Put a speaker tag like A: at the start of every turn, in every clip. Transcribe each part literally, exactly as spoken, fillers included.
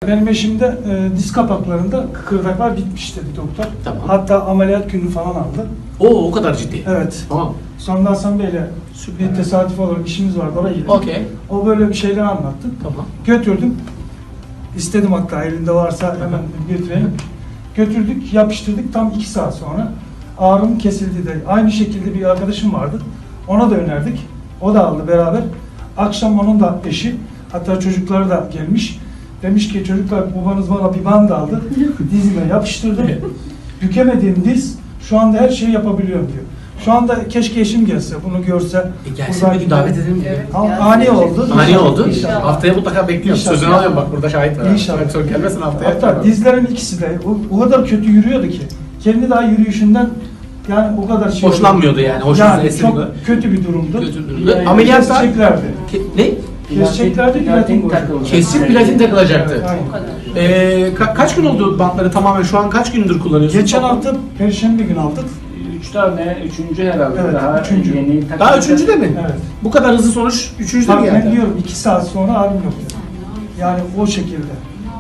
A: Benim eşimde e, diz kapaklarında kıkırdaklar bitmiş dedi doktor.
B: Tamam.
A: Hatta ameliyat günü falan aldı.
B: Oo, o kadar ciddi.
A: Evet.
B: Tamam.
A: Sonra Hasan Bey'le bir tesadüf olarak işimiz vardı, oraya gittik.
B: Okey.
A: O böyle bir şeyler anlattı.
B: Tamam.
A: Götürdüm. İstedim hatta elinde varsa hemen götürelim. Götürdük, yapıştırdık. Tam iki saat sonra ağrım kesildi de. Aynı şekilde bir arkadaşım vardı. Ona da önerdik. O da aldı beraber. Akşam onun da eşi, hatta çocukları da gelmiş. Demiş ki çocuklar babanız bana bir band aldı. Dizime yapıştırdı. Bükemediğim diz şu anda her şeyi yapabiliyorum diyor. Şu anda keşke eşim gelse, bunu görse.
B: E gelsin bir gün davet edelim.
C: Evet.
A: Ama
C: gelsin.
A: ani oldu.
B: Ani oldu.
A: İnşallah.
B: Haftaya mutlaka bekliyorum.
A: İnşallah.
B: Sözünü alıyorum bak, burada şahit var.
A: İnşallah.
B: Çok gelmesin haftaya.
A: Hatta dizlerin ikisi de o, o kadar kötü yürüyordu ki. Kendi daha yürüyüşünden yani o kadar şey
B: Hoşlanmıyordu yani, hoşunuza
A: Yani
B: esmiyordu.
A: çok kötü bir durumdu.
B: Kötü durumda.
A: Yani
B: Ameliyatlar-
A: keseceklerdi.
B: Ke- ne?
A: Keseceklerdi, platin koyacaklardı.
B: Kesin platin takılacaktı.
A: Evet, aynen.
C: O kadar.
B: Ee, ka- kaç gün oldu bantları tamamen? Şu an kaç gündür kullanıyorsun?
A: Geçen hafta Perşembe günü aldık.
D: Üç tane, üçüncü herhalde.
A: Evet,
D: daha
A: üçüncü.
D: yeni
B: Daha
D: takılacak.
B: üçüncü de mi?
A: Evet.
B: Bu kadar hızlı sonuç üçüncü de mi
A: Tabii ben
B: geldi?
A: diyorum iki saat sonra ağrım yok dedi. Yani o şekilde.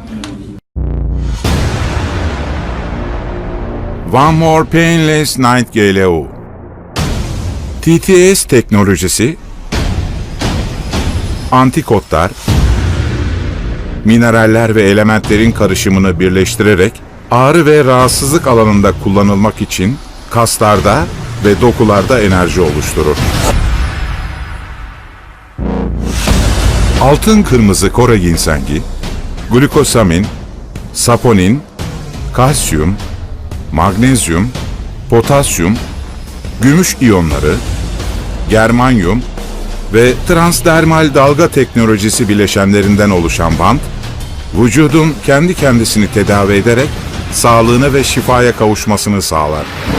E: One More Painless Night G L O T T S teknolojisi, antikotlar, mineraller ve elementlerin karışımını birleştirerek ağrı ve rahatsızlık alanında kullanılmak için kaslarda ve dokularda enerji oluşturur. Altın kırmızı Kore ginsengi, glukosamin, saponin, kalsiyum, magnezyum, potasyum, gümüş iyonları, germanyum ve transdermal dalga teknolojisi bileşenlerinden oluşan bant, vücudun kendi kendisini tedavi ederek sağlığına ve şifaya kavuşmasını sağlar.